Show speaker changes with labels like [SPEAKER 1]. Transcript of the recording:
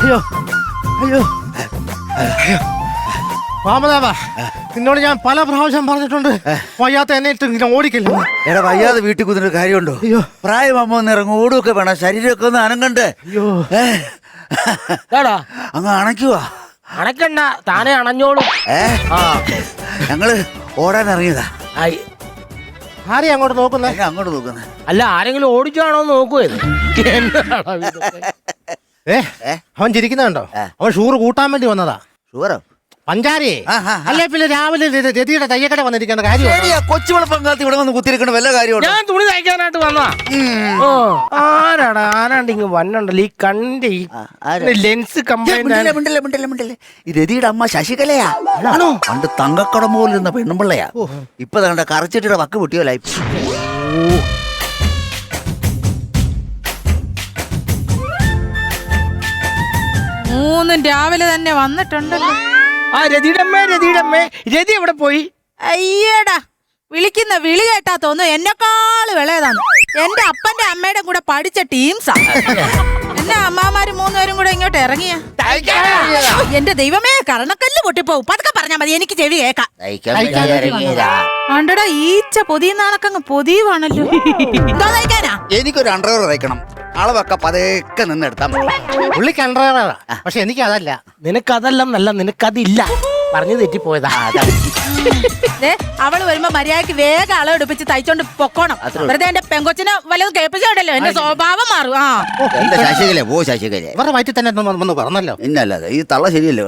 [SPEAKER 1] അയ്യോ അയ്യോ അയ്യോ വാമദേവാ, നിന്നോട് ഞാൻ പല പ്രാവശ്യം പറഞ്ഞിട്ടുണ്ട് വയ്യാത്ത എന്നെ ഇട്ട് ഇങ്ങനെ ഓടിക്കില്ല.
[SPEAKER 2] എടാ വയ്യാതെ വീട്ടിൽ കുതിരൊരു കാര്യമുണ്ടോ?
[SPEAKER 1] അയ്യോ
[SPEAKER 2] പ്രായമാകുമ്പോ ഒന്ന് ഇറങ്ങും, ഓടുമൊക്കെ വേണം, ശരീരമൊക്കെ ഒന്ന് അനങ്ങണ്ടേ?
[SPEAKER 1] അയ്യോ
[SPEAKER 2] അങ്ങ് അണയ്ക്കുവാ.
[SPEAKER 3] അണക്കണ്ട, താനെ അണഞ്ഞോളൂ.
[SPEAKER 2] ഞങ്ങള് ഓടാൻ ഇറങ്ങിയതാ.
[SPEAKER 1] ആരെയാ അങ്ങോട്ട് നോക്കുന്നേ?
[SPEAKER 2] അങ്ങോട്ട് നോക്കുന്നേ.
[SPEAKER 3] അല്ല, ആരെങ്കിലും ഓടിച്ചാണോ നോക്കുവത്?
[SPEAKER 1] അവൻ ചിരിക്കുന്നുണ്ടോ? അവൻ ഷൂറ് കൂട്ടാൻ വേണ്ടി വന്നതാ.
[SPEAKER 2] ഷുഗറോ?
[SPEAKER 1] പഞ്ചാരേ അല്ലെ പിന്നെ രാവിലെ രതിയുടെ തയ്യക്കട വന്നിരിക്കേണ്ട കാര്യം.
[SPEAKER 2] കൊച്ചുവിള പങ്കാളത്ത് ഇവിടെ വന്ന് കുത്തിരിക്കണ വല്ല കാര്യമുണ്ടോ?
[SPEAKER 3] ഞാൻ തുണി തയ്ക്കാനായിട്ട് വന്നതാ. ആരാണ്ട് ഇങ്ങ് വന്നുണ്ടല്ലോ ഈ കണ്ണിന്റെ ഈ ലെൻസ് കംപ്ലൈന്റ്.
[SPEAKER 2] ഈ രതിയുടെ അമ്മ ശശികലയാ. പണ്ട് തങ്കക്കടം പോലിരുന്ന പെണ്ണുമ്പിള്ളയാ. ഇപ്പൊ തങ്ങളുടെ കറച്ചിട്ടിയുടെ വക്ക് പൊട്ടിയോലായി.
[SPEAKER 4] മൂന്നും രാവിലെ തന്നെ വന്നിട്ടുണ്ടല്ലോ.
[SPEAKER 3] ആ രതി എവിടെ പോയി?
[SPEAKER 4] അയ്യടാ, വിളിക്കുന്ന വിളി കേട്ടാ തോന്നുന്നു എന്നെക്കാള് വിളയതാണ്. എന്റെ അപ്പന്റെ അമ്മയുടെ കൂടെ പഠിച്ച ടീംസാ. എന്നെ അമ്മാമാര് മൂന്നുപേരും കൂടെ ഇങ്ങോട്ട് ഇറങ്ങിയ. എന്റെ ദൈവമേ, കരണക്കല്ല് പൊട്ടിപ്പോവും. പതുക്കെ പറഞ്ഞാ മതി, എനിക്ക് ചെവി കേക്കാം. ആണ്ടടാ, ഈച്ച പൊതിയുന്നാണക്കങ്ങ് പൊതിയുവാണല്ലോ. എന്തോ തയ്ക്കാനാ?
[SPEAKER 2] എനിക്കൊരു അണ്ടർവെയർ തയ്ക്കണം. അളവൊക്കെ പതുക്കെ നിന്നെടുത്താ മതി.
[SPEAKER 1] പുള്ളിക്ക് അണ്ടർവെയറാ, പക്ഷെ എനിക്കതല്ല.
[SPEAKER 3] നിനക്കതെല്ലാം നല്ല, നിനക്കതില്ല. പറഞ്ഞു തെറ്റിപ്പോയതാ.
[SPEAKER 4] അവള് വരുമ്പോ മര്യാദക്ക് വേഗം അളവെടുപ്പിച്ച് തയ്ച്ചോണ്ട് പൊക്കോണം. വെറുതെ എന്റെ പെങ്കൊച്ചിനെ വല്ലതും കേൾപ്പിച്ചോണ്ടല്ലോ എന്റെ സ്വഭാവം മാറും.
[SPEAKER 2] ശശികല പോ, ശശികല
[SPEAKER 1] ഇവരുടെ വയറ്റിൽ തന്നെ ഒന്ന് പറഞ്ഞല്ലോ.
[SPEAKER 2] ഇന്നല്ലാതെ ഈ തള്ള ശരിയല്ലേ?